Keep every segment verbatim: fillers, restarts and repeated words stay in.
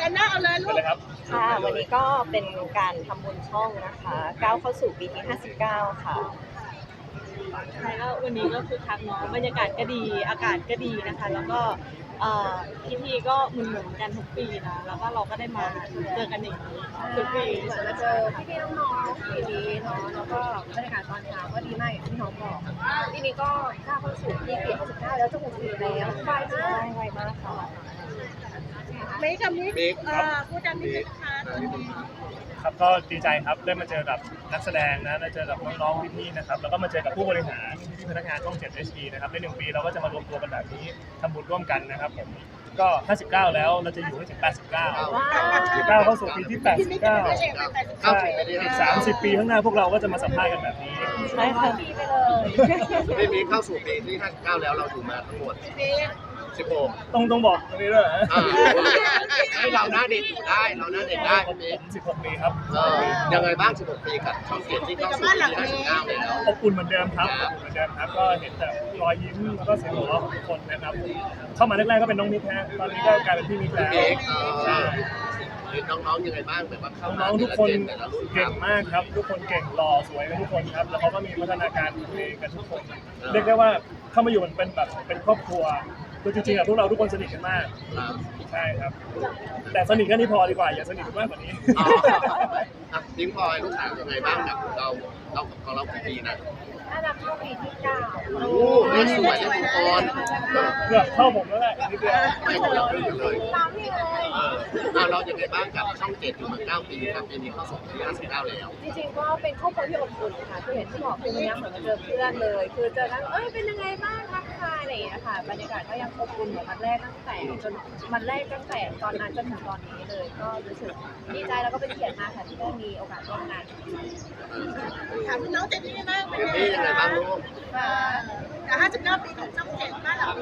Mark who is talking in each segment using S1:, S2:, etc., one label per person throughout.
S1: อันน่าเอาเลยลูก
S2: ค่ะวันนี้ก็เป็นการทำบุญช่องนะคะก้าวเข้าสู่ปีที่ห้าสิบเก้าค่ะ
S1: ใช่ก็วันนี้ก็คือคักเนาะบรรยากาศก็ดีอากาศก็ดีนะคะแล้วก็พิธีก็เหมือนๆกันทุกปีนะแล้วก็เราก็ได้มาเจอกันอย่างนี้ทุกปี
S2: เหมือนมาเจอพี่ๆน้องๆปีนี้เนาะแล้วก็บรรยากาศตอนเช้าก็ดีมากอย่างที่น้องบอกปีนี้ก็ก้าวเข้าสู่ปีที่ห้าสิบเก้าแล้วจะหกสิบแล้วไวมากไวมากค่ะ
S1: ไม่กับมิกพูดดังนิดนึงนะคะ
S3: ครับก็ดีใจครับได้มาเจอกับนักแสดงนะได้เจอกับน้องๆพี่ๆนะครับแล้วก็มาเจอกับผู้บริหารพี่ๆพนักงานช่อง เจ็ด เอช ดี นะครับในหนึ่งปีเราก็จะมารวมตัวกันแบบนี้ทำบุญร่วมกันนะครับผมก็ห้าสิบเก้าแล้วเราจะอยู่ให้ถึงแปดสิบเก้าก้าวเข้าสู่ปีที่แปดสิบเก้าใช่อีกสามสิบปีข้างหน้าพวกเราก็จะมาสัมภาษณ์กันแบบนี้
S2: ใช่ค่ะปีไปเลย
S4: ไม่มีเข้าสู่ปีที่ห้าสิบเก้าแล้วเราอยู่มาทั้งหมดสิบหก
S3: ต้องต้องบอกตรงนี้ด้วย
S4: ให้เราหน้าเด็กได้เราหน้าเด็กได้
S3: ผมสิบหกปีครับ
S4: ยังไงบ้างสิบหกปีกับช่องเจ็ดที่เข้าสู่ปีที่ห้าสิบเก้าแล้ว
S3: อบอุ่นเหมือนเดิมครับอบอุ่นเหมือนเดิมครับก็เห็นแต่รอยยิ้มแล้วก็เสียงหัวเราะของทุกคนนะครับเข้ามาแรกๆก็เป็นน้องมิกฮะตอนนี้ก็กลายเป็นพี่มิกแล้วใช่
S4: น้องๆยังไงบ้างแบบว่า
S3: น้องๆทุกคนเก่งมากครับทุกคนเก่งหล่อสวยกันทุกคนครับแล้วเขาก็มีพัฒนาการตัวเองกันทุกคนเรียกได้ว่าเข้ามาอยู่มันเป็นแบบเป็นครอบครัวคือจริงๆอะพวกเราทุกคนสนิทกันมากใช่ครับแต่สนิทแค่นี้พอดีกว่าอย่าสนิทมากกว่านี้
S4: ทิ้งพลอยลูกสาวยังไงบ้างกับเราเราของเรากี่ปีนะ
S2: น่าจะเข้าปีที่เก้า
S4: โอ้เล่นสวยเล่นละคร
S3: เกือบเข้าผมแล้วแหละนิดเดียว
S4: ไม่ของเราเลยตามนี่เลยเออเรายังไงบ้างกับช่องเจ็ดอยู่มาเก้าปีครับปีนี้เข้าสู่ปีห้าสิบเก้าแล้ว
S2: จริงๆก็เป็นครอบครัวที่อบอุ่นค่ะคือเห็นที่บอกคือมันยังเหมือนมาเจอเพื่อนเลยคือเจอกันเอ้ยเป็นยังไงบ้างทักทายอะไรอย่างเงี้ยค่ะบรรยากาศก็ยังอบอุ่นเหมือนวันแรกตั้งแต่จนวันแรกตั้งแต่ตอนนั้นจนถึงตอนนี้เลยก็รู้สึกดีใจแล้วก็เป็นเกียรติมากค่ะที่ได้มีโอกาสร่วมงาน
S1: ถามน้องเจนนี่บ้างเป็น
S4: ยังไงบ้างลูก
S1: แต่ห้าสิบเก้าปีของช่องเจ็ดบ้านเรา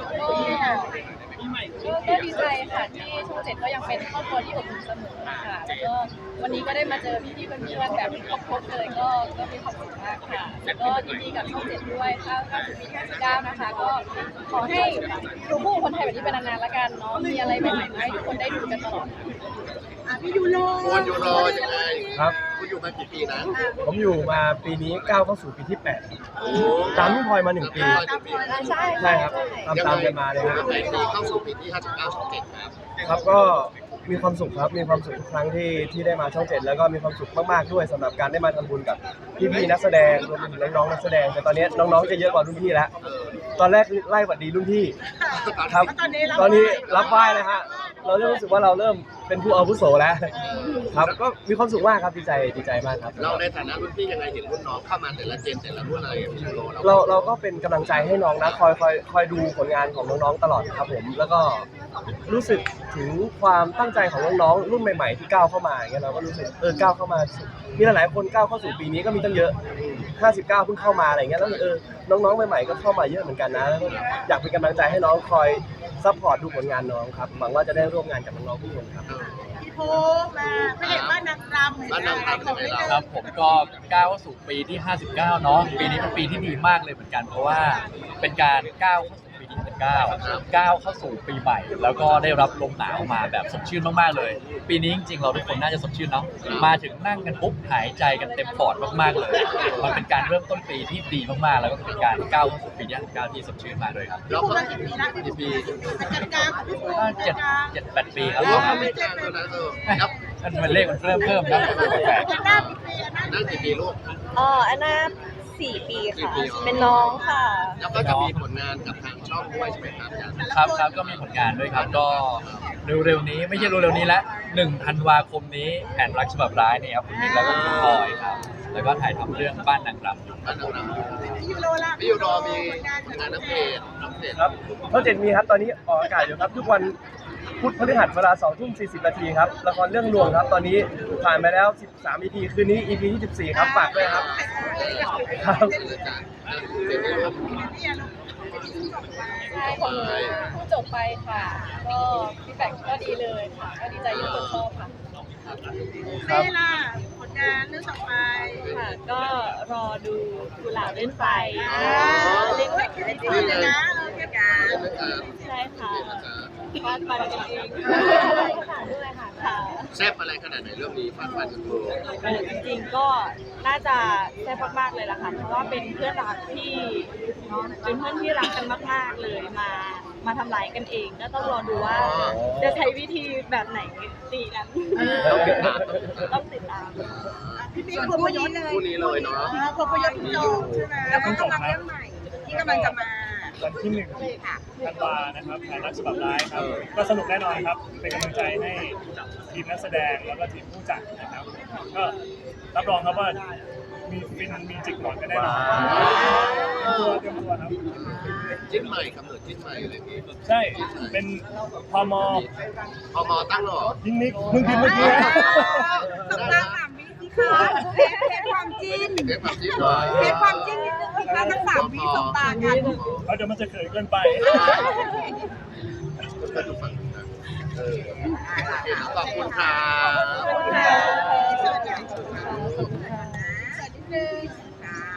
S2: ก็ดีใจค่ะที่ช่องเจ็ดก็ยังเป็นครอบครัวที่อบอุ่นเสมอค่ะแล้วก็วันนี้ก็ได้มาเจอพี่ๆเพื่อนๆแบบเป็นครอบครัวเลยก็ก็มีความสุขมากค่ะแล้วก็ยินดีกับช่องเจ็ดด้วยถ้าถ้าถึงปีห้าสิบเก้านะคะก็ขอให้ดูคู่คนไทยแบบนี้เป็นนานๆละกันเนาะมีอะไรใหม่ๆให้ทุกคนได้ดูกันตลอด
S1: พี่ยูโร
S4: คุณยูโรยังไง
S5: ครับ
S4: คุณอยู่มากี่ปีนะ
S5: ผมอยู่มาปีนี้ก้าวเข้าสู่ปีที่แปดตามพี่พลอยมาหนึ่งปี
S2: ใช่
S5: ใช่ครับตามตามกันมาเลยครับ
S4: เข้าสู่ปีที่ห้าสิบเก้าช่องเจ็ดครับ
S5: ครับก็มีความสุขครับมีความสุขทุกครั้งที่ที่ได้มาช่องเจ็ดแล้วก็มีความสุขมากๆด้วยสำหรับการได้มาทำบุญกับพี่ๆนักแสดงรวมถึงน้องๆนักแสดงแต่ตอนนี้น้องๆจะเยอะกว่ารุ่นพี่แล้วตอนแรกไล่หวัดดีรุ่นพี่ครับตอนนี้รับไหว้เลยฮะเราเริ่มรู้สึกว่าเราเริ่มเป็นผู้อาวุโสแล้วครับก็มีความสุขมากครับดีใจดีใจมากครับ
S4: เราในฐานะรุ่นพี่ยังไงเห็นรุ่นน้องเข้ามาแต่ละเจนแต่ละรุ่นอะไร
S5: เราเราก็เป็นกำลังใจให้น้องนะคอยคอยคอยดูผลงานของน้องๆตลอดครับผมแล้วก็รู้สึกถึงความตั้งใจของน้องๆรุ่นใหม่ๆที่ก้าวเข้ามาอย่างเงี้ยเราก็รู้สึกเออก้าวเข้ามามีหลายๆคนก้าวเข้าสู่ปีนี้ก็มีตั้งเยอะห้าสิบเก้าเพิ่งเข้ามาอะไรเงี้ยแล้วเออน้องๆใหม่ๆก็เข้ามาเยอะเหมือนกันนะอยากเป็นกำลังใจให้น้องคอยซัพพอร์ตดูผลงานน้องครับหวังว่าจะได้ร่วมงานกับน้องๆทุกคนครับ
S1: พี่โพมาไม่เห็นบ้านนางรำ
S4: บ้านนางรำของเรา
S6: ครับผมก็ก้าวเข้าสู่ปีที่ห้าสิบเก้าเนาะปีนี้เป็นปีที่ดีมากเลยเหมือนกันเพราะว่าเป็นการก้าวเข้าสู่ปีที่ห้าสิบเก้าก้าวเข้าสู่ปีใหม่แล้วก็ได้รับลมหนาวมาแบบสดชื่นมากๆเลยปีนี้จริงๆเราทุกคนน่าจะสดชื่นเนาะมาถึงนั่งกันปุ๊บหายใจกันเต็มปอดมากๆเลยมันเป็นการเริ่มต้นปีที่ดีมากๆแล้วก็เป็นการก้าวเข้าสู่ปีที่ห้าสิบเก้าที่สดชื่นมากเลยครับ
S1: แล้วก็กี่ปีนะกี่ปีเป็นกลางๆพี่โพ
S6: เจ็ดเจ็ดแปดปีครับ
S4: ไม่กลางแล้วนะเออ
S6: มันเลขมันเริ่มเพิ่มครับแปลก
S4: นั่งกี่ปีลูก
S2: อ๋ออันน่าสี่ปีค่ะเป็นน้องค่ะ
S4: แล้วก็จะมีผลงานกับทางช่องด้วยใช่ไหมครับ
S6: ครับครับก็มีผลงานด้วยครับก็เร็วๆนี้ไม่ใช่เร็วๆนี้ละหนึ่งธันวาคมนี้แผนรักฉบับร้ายเนี่ยครับคุณมิกแล้วก็คุณพลอยครับแล้วก็ถ่ายทำเรื่องบ้านนางรำอยู่
S4: บ้านนางร
S1: ำพี่ยูโรล่ะ
S4: พี่ยูโรมีงานนักเพจนักเพจ
S5: ครับช่องเจ็ดมีครับตอนนี้ออกอากาศอยู่ครับทุกวันพุธพฤหัสเวลาสองทุ่มสี่สิบนาทีครับละครเรื่องลวงครับตอนนี้ผ่านไปแล้วสิบสาม อี พี คืนนี้ อี พี ที่สิบสี่ครับฝากด้วยครับครับ
S2: ใช่ของหนูเพิ่งจบไปค่ะก็ฟีดแบ็กก็ดีเลยค่ะก็ดีใจที่คนชอบค่ะ
S1: เซ่ล่ะผลงานเรื่องต่อไป
S2: ค่ะก็รอดูกุหลาบเล่นไฟ
S1: เล่นไฟเล่นไฟเลยนะเออเกี่ยวกับ
S2: ใช่ค่ะ
S1: ฟาดฟันกันเองค่ะ
S4: แซ่บอะไรขนาดไหนเรื่องนี้ฟาดฟันกันโชว์
S1: เออจริงๆก็น่าจะแซ่บมากๆเลยล่ะค่ะเพราะว่าเป็นเพื่อนรักที่เนาะเป็นเพื่อนที่รักกันมากๆเลยมามาทำร้ายกันเองก็ต้องรอดูว่าจะใช้วิธีแบบไหนตีกัน
S4: ต้องติดตาม
S1: ต้องติดตาม
S7: พี่ปิ๊กพยศเลย
S4: คู่นี้เลยเนาะ
S7: พพยศจบใช่ไหมแล้วก็กำลังเรื่องใหม่ที่กำลังจะมา
S3: วันที่หนึ่งธันวานะครับถ่ายรักฉบับร้ายครับก็สนุกแน่นอนครับเป็นกำลังใจให้ทีมนักแสดงแล้วก็ทีมผู้จัดนะครับก็รับรองครับว่ามีฟินมีจิกหมอนกันแน่นอนตัวเตรียมตัวครับ
S4: จิ้นใหม่ครับเหมือนจิ้นใหม่อะไรนี้
S3: ใช่เป็นพม
S4: พอมอตั้งหรอ
S3: ยิ่งนิกมึงพิมพ์เมื่อกี้
S7: สบตาสามวิสิคะเทสความจิ้น
S4: เด็กแบบจิ้นเลย
S7: เทสความจิ้นนิดนึงสิคะทั้งสามวิสบตากัน
S3: เขาจะมันจะเขินเกินไป
S4: ก็ดูฝั่งนู้นนะเออโอเคขอบคุณค่ะ
S7: ขอบคุณค่ะ